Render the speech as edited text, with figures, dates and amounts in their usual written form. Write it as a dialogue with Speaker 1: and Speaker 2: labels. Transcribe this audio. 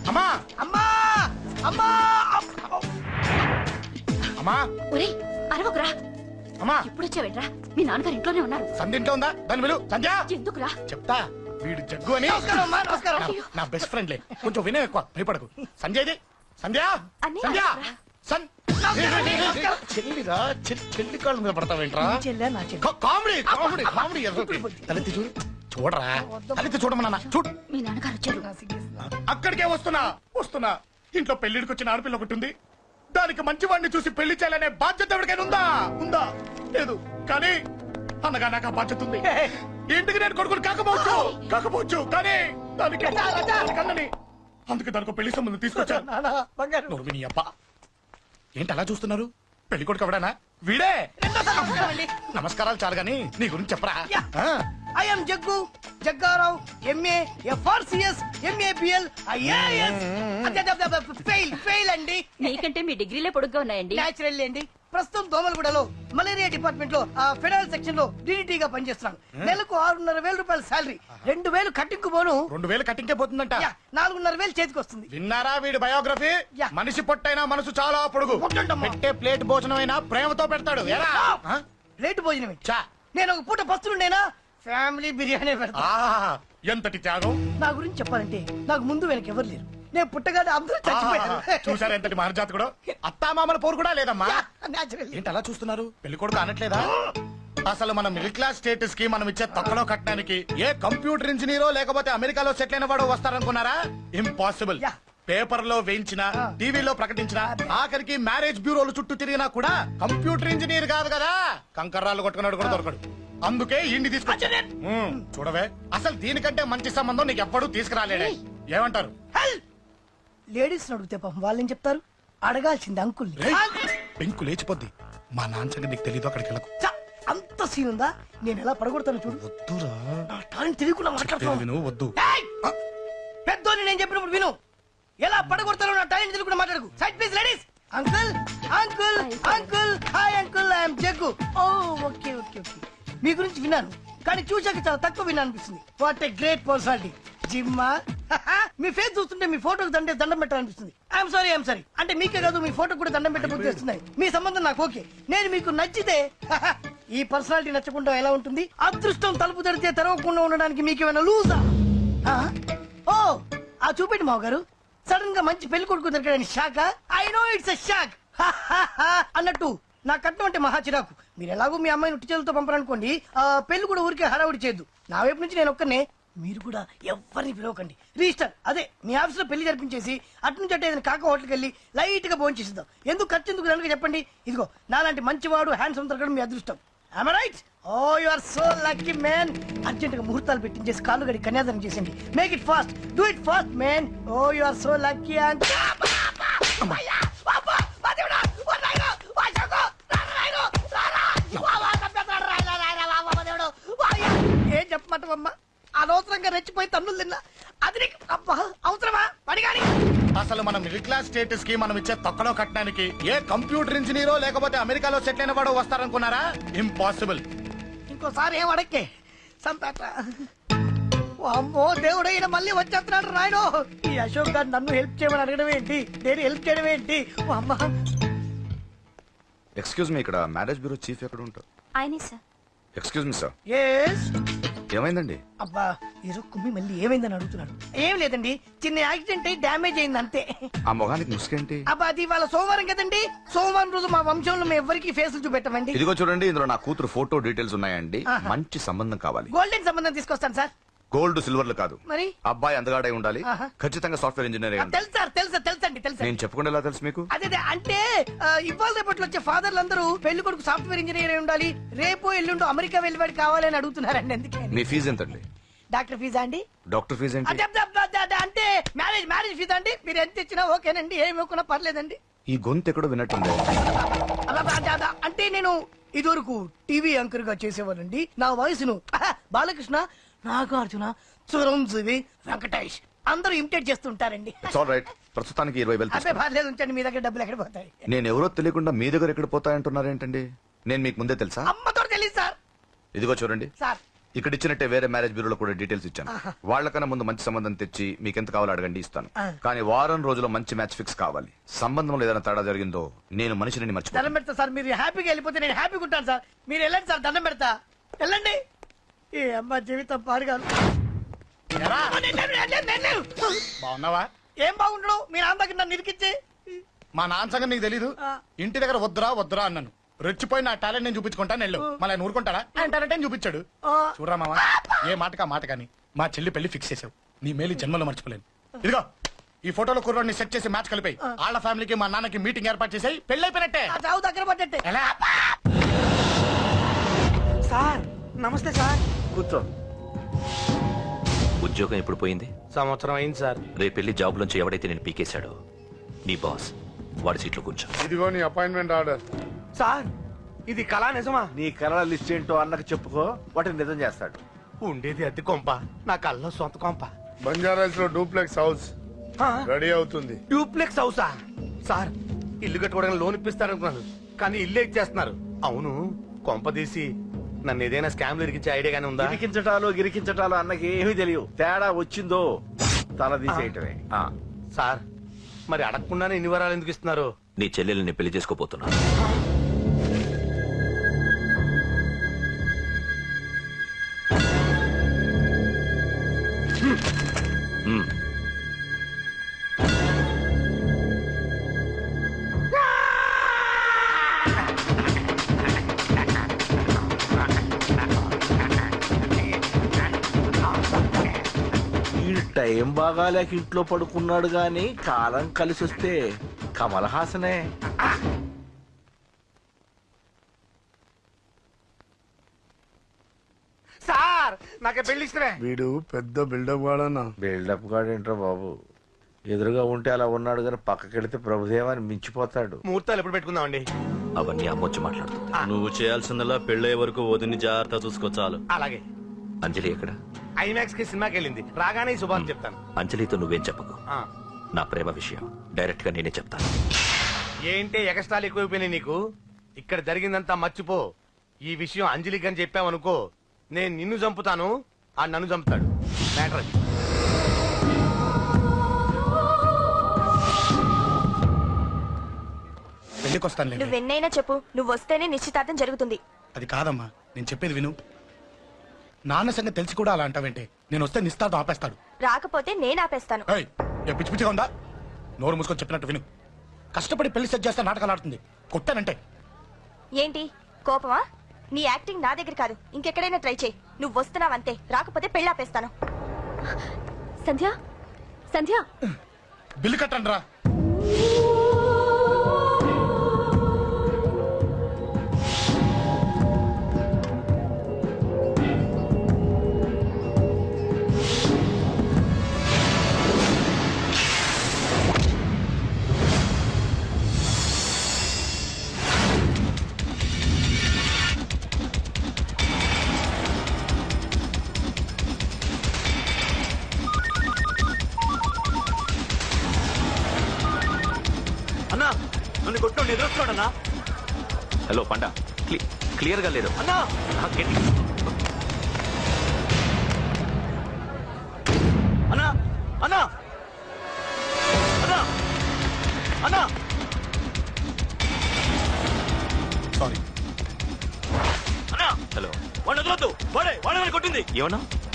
Speaker 1: అమ్మా
Speaker 2: అమ్మా అమ్మా
Speaker 1: అమ్మా
Speaker 3: ఒరేయ్ అరవకురా.
Speaker 1: అమ్మా
Speaker 3: ఇప్పుడు వచ్చావేట్రా? మీ నాన్నగారు ఇంట్లోనే ఉన్నారు.
Speaker 1: సంధ్య ఇంట్లో ఉందా? దాని విలు. సంధ్య
Speaker 3: ఎందుకురా?
Speaker 1: చెప్తా. వీడు జగ్గు అని
Speaker 2: నమస్కారం అమ్మా, నమస్కారం.
Speaker 1: నా బెస్ట్ ఫ్రెండ్లే. కొంచెం వినయం ఎక్కువ, భయపడకు. సంధ్యది. సంధ్య
Speaker 3: అన్నయ్య,
Speaker 1: సంధ్య
Speaker 3: రా.
Speaker 1: చెల్లిరా చెల్లి కాళ్ళ మీద పడతావేంట్రా?
Speaker 2: చెల్లె నా చెల్లె.
Speaker 1: Comedy comedy comedy. తలెత్తి చూడు. చూడరా, తలెత్తి చూడమన్నా. చూడు.
Speaker 3: మీ నాన్నగారు వచ్చారు.
Speaker 1: అక్కడికే వస్తున్నా వస్తున్నా. ఇంట్లో పెళ్లిడికి వచ్చిన ఆడపిల్ల ఒకటి ఉంది. దానికి మంచి వాడిని చూసి పెళ్లి చేయాలనే బాధ్యత ఎవరికైనా ఉందా? ఉందా? లేదు. కానీ అన్నగా నాకు ఆ బాధ్యత ఉంది. ఇంటికి నేను కొడుకుని కాకపోవచ్చు కానీ దానికి అన్నని. అందుకే దానికి పెళ్లి సంబంధం తీసుకొచ్చాను.
Speaker 2: నానా, బంగారు.
Speaker 1: నోరు నీ అబ్బా. ఏంటి అలా చూస్తున్నారు? పెళ్లి కొడుకు ఎవడానా? వీడే. నమస్కారాలు చాలు గాని నీ గురించి చెప్పరా.
Speaker 2: I'm Jaggu Jaggarao, MA FRCS, MABL, IAS. Fail అండి.
Speaker 3: మీకంటే మీ డిగ్రీలే పొడుగ్గా ఉన్నాయండి.
Speaker 2: న్యాచురల్ అండి. ప్రస్తుతం దోమలగూడలో మలేరియా డిపార్ట్మెంట్ లో ఫెడరల్ సెక్షన్ లో డీడీటీగా పనిచేస్తున్నాను. నెలకు 6,500 రూపాయల శాలరీ, 2,000 కట్టింకు పోను.
Speaker 1: 2,000 కట్టింకే పోతుందంట.
Speaker 2: 4,500 చేతికి వస్తుంది.
Speaker 1: విన్నారా వీడి బయోగ్రఫీ? మనిషి పొట్టైనా మనసు చాలా పొడుగు. పెట్టే ప్లేట్ భోజనం అయినా ప్రేమతో పెడతాడు.
Speaker 2: ప్లేట్ భోజనమే. నేను ఒక పూట పస్తులుండేనా ఫ్యామిలీ బిర్యానీ పెడతా.
Speaker 1: ఎంతటి త్యాగం!
Speaker 2: నా గురించి చెప్పాలంటే నాకు ముందు వెనక ఎవరు లేరు. నేను పుట్టగానే అందరూ చచ్చిపోయారు.
Speaker 1: చూసారా ఎంతటి మహర్జాతకుడు? అత్తామామల పోరు కూడా లేదమ్మా.
Speaker 2: న్యాచురల్.
Speaker 1: ఏంటి అలా చూస్తున్నారు? పెళ్లి కొడుకు అనట్లేదా? అసలు మన మిడిల్ క్లాస్ స్టేటస్ కి మనం ఇచ్చే తక్కువ కట్టడానికి ఏ కంప్యూటర్ ఇంజనీరో లేకపోతే అమెరికాలో సెటిల్ అయిన వాడు వస్తారనుకున్నారా? ఇంపాసిబుల్. పేపర్ లో వేయించిన, టీవీలో ప్రకటించిన, ఆఖరికి మ్యారేజ్ బ్యూరోలు చుట్టూ తిరిగినా కూడా కంప్యూటర్ ఇంజనీర్ కాదు కదా. కంకర్రాలు కొట్టుకున్నాడు కూడా దొరకడు. అందుకే ఇండి తీసుకొచ్చా. చూడవే, అసలు దీనికంటే మంచి సంబంధం నీకు ఎప్పుడూ తీసుకురాలేడే. ఏమంటారు?
Speaker 2: లేడీస్ అడిగితే పాపం వాళ్ళేం చెప్తారు? అడగాల్సింది అంకుల్.
Speaker 1: పెంకు లేచిపోద్ది. మా నాన్న సంగతి నీకు తెలీదు. అక్కడికి వెళ్ళకు.
Speaker 2: అంత సీన్ ఉందా? నేను ఎలా పడగొడతాను చూడు.
Speaker 1: వద్దురా,
Speaker 2: నా టాలెంట్ తెలియకుండా మాట్లాడుతున్నాను.
Speaker 1: విను. వద్దు.
Speaker 2: పెద్దోని నేను చెప్పినప్పుడు విను. ఎలా పడగొడతాను నా టాలెంట్ తెలియకుండా మాట్లాడకు. Side please ladies. Uncle uncle uncle, hi uncle, I'm Jaggu. Oh okay okay okay. మీ గురించి విన్నాను కానీ చూశాక చాలా తక్కువ విన్నా అనిపిస్తుంది. What a great personality. జిమ్మా, మీ ఫేస్ చూస్తుంటే మీ ఫోటోకి దండం పెట్టాలనిపిస్తుంది. I'm sorry. అంటే మీకే కాదు, మీ ఫోటో కూడా దండం పెట్టబుద్ధి వస్తున్నాయి. మీ సంబంధం నాకు ఓకే. నేను మీకు నచ్చితే ఈ పర్సనాలిటీ నచ్చకుండా ఎలా ఉంటుంది? అదృష్టం తలుపు తెరితే తెరవకుండా ఉండడానికి మీకేమైనా లూజా? ఓ ఆ చూపెట్టి మావ గారు. సడన్ గా మంచి పెళ్లి కొడుకు దొరికాడని shock. I know it's a shock. అన్నట్టు నా కట్నం అంటే మహా చిరాకు. మీరు ఎలాగో మీ అమ్మాయిని ఉట్టి చేతులతో పంపరనుకోండి, పెళ్లి కూడా ఊరికే హడావుడి చేయొద్దు. నా వైపు నుంచి నేను ఒక్కనే. మీరు కూడా ఎవరిని పిలవకండి. రిజిస్టర్ అదే మీ ఆఫీస్ లో పెళ్లి జరిపించేసి అటు నుంచి అంటే ఏదైనా కాక హోటల్కి వెళ్ళి లైట్ గా భోజనం చేసిద్దాం. ఎందుకు ఖర్చు ఎందుకు కనుక చెప్పండి. ఇదిగో నాలాంటి మంచివాడు హ్యాండ్సమ్ దొరకడం మీ అదృష్టం. Am I right? Oh, you are so lucky, man. Urgent గా ముహూర్తాలు పెట్టించేసి కాళ్ళు గడి కన్యాదానం చేసింది. Make it fast. Do it fast, man. Oh, you are so lucky. And ఏం చెప్పమంటావమ్మా? అనవసరంగా రెచ్చిపోయి తన్నులు తిన్నా. అది నీకు అవసరమా? పడిగాని
Speaker 1: అసలు మన మిడిల్ క్లాస్ స్టేటస్ కి మనం ఇచ్చే తక్కువ కట్టడానికి ఏ కంప్యూటర్ ఇంజనీరో లేకపోతే అమెరికాలో సెటిల్ అయిన వాడు వస్తారనుకున్నారా? ఇంపాసిబుల్.
Speaker 2: ఇంకోసారి ఏం అడక్కే సంపేట. అమ్మో దేవుడు, ఈయన మళ్ళీ వచ్చేస్తున్నాడు రాయను. ఈ అశోక్ గారు నన్ను హెల్ప్ చేయమని అడగడం ఏంటి? నేను హెల్ప్ చేయడం ఏంటి? అమ్మా
Speaker 4: ఎక్స్క్యూజ్ మీ, ఇక్కడ మ్యారేజ్ బ్యూరో చీఫ్ ఎక్కడ ఉంటారు?
Speaker 3: ఆయనే sir.
Speaker 4: Excuse me sir.
Speaker 2: Yes.
Speaker 4: ఏమైందండి?
Speaker 2: అబ్బా ఈరోజు కుమ్మి మళ్ళీ ఏమైందని అడుగుతున్నాడు. ఏం లేదండి, చిన్న యాక్సిడెంట్ అయి డ్యామేజ్ అయింది అంతే.
Speaker 4: ఆ మొగానికి ముసుకేంటి?
Speaker 2: అబ్బా అది ఇవాళ సోమవారం కదండి. సోమవారం రోజు మా వంశంలో మేము ఎవరికి ఫేసులు చూపెట్టమండి.
Speaker 4: ఇదిగో చూడండి, ఇందులో నా కూతురు ఫోటో డీటెయిల్స్ ఉన్నాయండి. మంచి సంబంధం కావాలి.
Speaker 2: గోల్డెన్ సంబంధం తీసుకొస్తాను సార్.
Speaker 4: గోల్డ్ సిల్వర్లు కాదు.
Speaker 2: మరి
Speaker 4: అబ్బాయి అందగాడై ఉండాలి. ఖచ్చితంగా సాఫ్ట్వేర్ ఇంజనీర్ అయి ఉండాలి.
Speaker 2: తెలుసు సార్, తెలుసండి.
Speaker 4: నేను చెప్పకుండా ఎలా తెలుసు మీకు?
Speaker 2: అదే అంటే ఇవాళ రేపట్లో వచ్చే ఫాదర్లు అందరూ పెళ్లి కొడుకు సాఫ్ట్వేర్ ఇంజనీర్ అయి ఉండాలి, రేపు ఎల్లుండు అమెరికా వెళ్ళివాడు కావాలని అడుగుతున్నారండి. అందుకే.
Speaker 4: మీ ఫీజు ఎంతండి?
Speaker 2: డాక్టర్ ఫీజా అండి?
Speaker 4: డాక్టర్ ఫీజు ఏంటి?
Speaker 2: అంటే మ్యారేజ్ ఫీజా అండి? మీరు ఎంత ఇచ్చినా ఓకేనండి, ఏమి ఇవ్వకున్నా పర్లేదండి.
Speaker 4: ఈ గొంతు ఎక్కడో విన్నట్టుంది.
Speaker 2: అంటే నేను ఇదివరకు టీవీ యాంకర్ గా చేసేవాళ్ళండి. నా వయసును బాలకృష్ణ, నాగార్జున, చిరంజీవి, వెంకటేష్ అందరూ ఇమిటేట్ చేస్తుంటారండి.
Speaker 4: ప్రస్తుతానికి 20,000.
Speaker 2: అదే పర్లేదు, ఉంచండి. మీ దగ్గర డబ్బులు ఎక్కడ పోతాయి?
Speaker 4: నేను ఎవరో తెలియకుండా మీ దగ్గర ఎక్కడ పోతాయంటున్నారేంటండి? నేను మీకు ముందే తెలుసా?
Speaker 2: అమ్మతో తెలియదు సార్.
Speaker 4: ఇదిగో చూడండి
Speaker 2: సార్,
Speaker 4: ఇక్కడ ఇచ్చినట్టే వేరే మ్యారేజ్ బ్యూరోలో కూడా డీటెయిల్స్ ఇచ్చాను. వాళ్ళకన్నా ముందు మంచి సంబంధం తెచ్చి మీకు ఎంత కావాలో అడగండి, ఇస్తాను. కానీ వారం రోజుల్లో మంచి మ్యాచ్ ఫిక్స్ కావాలి. సంబంధంలో ఏదైనా తేడా జరిగిందో నేను మనిషిని
Speaker 2: దండం
Speaker 4: మర్చిపోతాను.
Speaker 2: పెడతా సార్, మీరు హ్యాపీగా వెళ్ళిపోతే నేను హ్యాపీగా ఉంటాను సార్. మీరు వెళ్ళండి సార్, దండం పెడతా. వెళ్ళండి. ఏ అమ్మ జీవితం పాడుగాను.
Speaker 1: ఎరా, బాగున్నావా?
Speaker 2: ఏం బాగుండడు, మీ నాన్న దగ్గర నన్ను ఇరికిచ్చి.
Speaker 1: మా నాన్న సంగతి నీకు తెలీదు. ఇంటి దగ్గర వద్దురా అన్నాను. రెచ్చిపోయి నా టాలెంట్ నేను చూపించుకుంటాను వెళ్ళు. మళ్ళీ ఆయన ఊరుకుంటాడా? ఆయన టాలెంట్ అని చూపించాడు. చూడరా మావా, ఏ మాటకా మాట కానీ మా చెల్లి పెళ్లి ఫిక్స్ చేసావు. నీ మేలు జన్మలో మర్చిపోలేను. ఇదిగో ఈ ఫోటోలో కుర్రోడిని సెట్ చేసి మ్యాచ్ కలిపాయి. వాళ్ళ ఫ్యామిలీకి మా నాన్నకి మీటింగ్ ఏర్పాటు చేసాయి. పెళ్లి అయిపోయినట్టే.
Speaker 2: ఆ చావు దగ్గర పడ్డట్టే.
Speaker 1: ఎలా?
Speaker 2: సార్ నమస్తే సార్.
Speaker 5: కూర్చో.
Speaker 6: ఉద్యోగం ఎప్పుడు పోయింది?
Speaker 5: సంవత్సరం అయింది సార్.
Speaker 6: రేపెళ్ళి జాబ్ లోంచి ఎవడైతే నేను పీకేశాడో నీ బాస్ వాడి సీట్లో కూర్చో.
Speaker 7: ఇదిగో నీ అపాయింట్మెంట్ ఆర్డర్.
Speaker 5: సార్ ఇది కళా నిజమా?
Speaker 8: నీ కలల లిస్ట్ ఏంటో అన్నకు చెప్పుకో, వాటిని నిజం చేస్తాడు.
Speaker 5: ఉండేది అద్దె కొంప, నా కళ్ళలో సొంత కొంప.
Speaker 7: బంజారాస్ లో డూప్లెక్స్ హౌస్ రెడీ అవుతుంది.
Speaker 5: డూప్లెక్స్ హౌసా? సార్ ఇల్లు కట్టుకోవడానికి లోన్ ఇప్పిస్తారనుకున్నాను, కానీ ఇల్లు ఇచ్చేస్తున్నారు. అవును, కొంప తీసి నన్ను ఏదైనా స్కామ్ ఇరికించే ఐడియా గానీ ఉందా?
Speaker 8: గిరికించటాలు అన్నకి ఏమీ తెలియవు. తేడా వచ్చిందో తల తీసేయటమే.
Speaker 5: సార్ మరి అడగకుండానే ఇన్ని వరాలు ఎందుకు ఇస్తున్నారు?
Speaker 6: నీ చెల్లెల్ని పెళ్లి చేసుకోపోతున్నా.
Speaker 8: ఈ టైం బాగాలేక ఇంట్లో పడుకున్నాడు గాని కాలం కలిసి వస్తే కమల్ హాసనే.
Speaker 5: సార్ నాకే పెళ్లి ఇష్టమే.
Speaker 7: వీడు పెద్ద బిల్డప్ వాడన్నా.
Speaker 8: బిల్డప్ గాడేంట్రా బాబు, ఎదురుగా ఉంటే అలా ఉన్నాడు గాని పక్కకెడితే ప్రభుదేవాన్ని మించిపోతాడు.
Speaker 5: ముహూర్తాలు ఎప్పుడు పెట్టుకుందామండి?
Speaker 6: అవన్నీ అమ్మొచ్చి మాట్లాడుతుంది.
Speaker 9: నువ్వు చేయాల్సిందల్లా పెళ్ళే వరకు వదిని జాగ్రత్త చూసుకో చాలు.
Speaker 5: అలాగే.
Speaker 6: అంజలి ఎక్కడ?
Speaker 5: ఐమాక్స్ కి సినిమాకి వెళ్ళింది, రాగానే ఈ శుభాన్ని చెప్తాను.
Speaker 6: అంజలితో నువ్వేం చెప్పకు.
Speaker 5: ఆ.
Speaker 6: నా ప్రేమ విషయం డైరెక్ట్ గా నేనే చెప్తాను.
Speaker 5: ఏంటి ఎగస్ట్రాలు ఎక్కువైపోయినాయి నీకు? ఇక్కడ జరిగిందంతా మర్చిపో. ఈ విషయం అంజలికి అని చెప్పావనుకో, నేను నిన్ను చంపుతాను, ఆ నన్ను చంపుతాడు. మ్యాటర్ అది.
Speaker 1: పెళ్లికి వస్తాను.
Speaker 10: నువ్వెన్నైనా చెప్పు, నువ్వు వస్తేనే నిశ్చితార్థం జరుగుతుంది.
Speaker 1: అది కాదమ్మా, నేను చెప్పేది విను. నాన్న సంగతి తెలిసి కూడా అలా అంటావేంటే? నేను వస్తే నిస్తాతో ఆపేస్తాడు.
Speaker 10: రాకపోతే నేను ఆపేస్తాను.
Speaker 1: ఏయ్, ఏ పిచ్చి పిచ్చిగా ఉందా? నోరు మూసుకొని చెప్పినట్టు విను. కష్టపడి పెళ్లి సెట్ చేస్తే నాటకాలు ఆడుతుంది. కొట్టానంటే
Speaker 10: ఏంటి కోపమా? నీ యాక్టింగ్ నా దగ్గర కాదు, ఇంకెక్కడైనా ట్రై చేయి. నువ్వు వస్తున్నావంతే, రాకపోతే పెళ్లి ఆపేస్తాను.
Speaker 3: సంధ్య సంధ్య
Speaker 1: బిల్లు కట్టండి రా.
Speaker 9: అన్నా నన్ను కొట్టు ఎదురొస్తున్నాడన్నా.
Speaker 6: హలో పండా, క్లియర్ గా లేదు.
Speaker 9: అన్నా అన్నా అన్నా అన్నా అన్నా
Speaker 1: సారీ.
Speaker 9: అన్నా
Speaker 6: హలో,
Speaker 9: వాడిని వదలొద్దు. వాడే కొట్టింది.
Speaker 6: ఏమన్నా?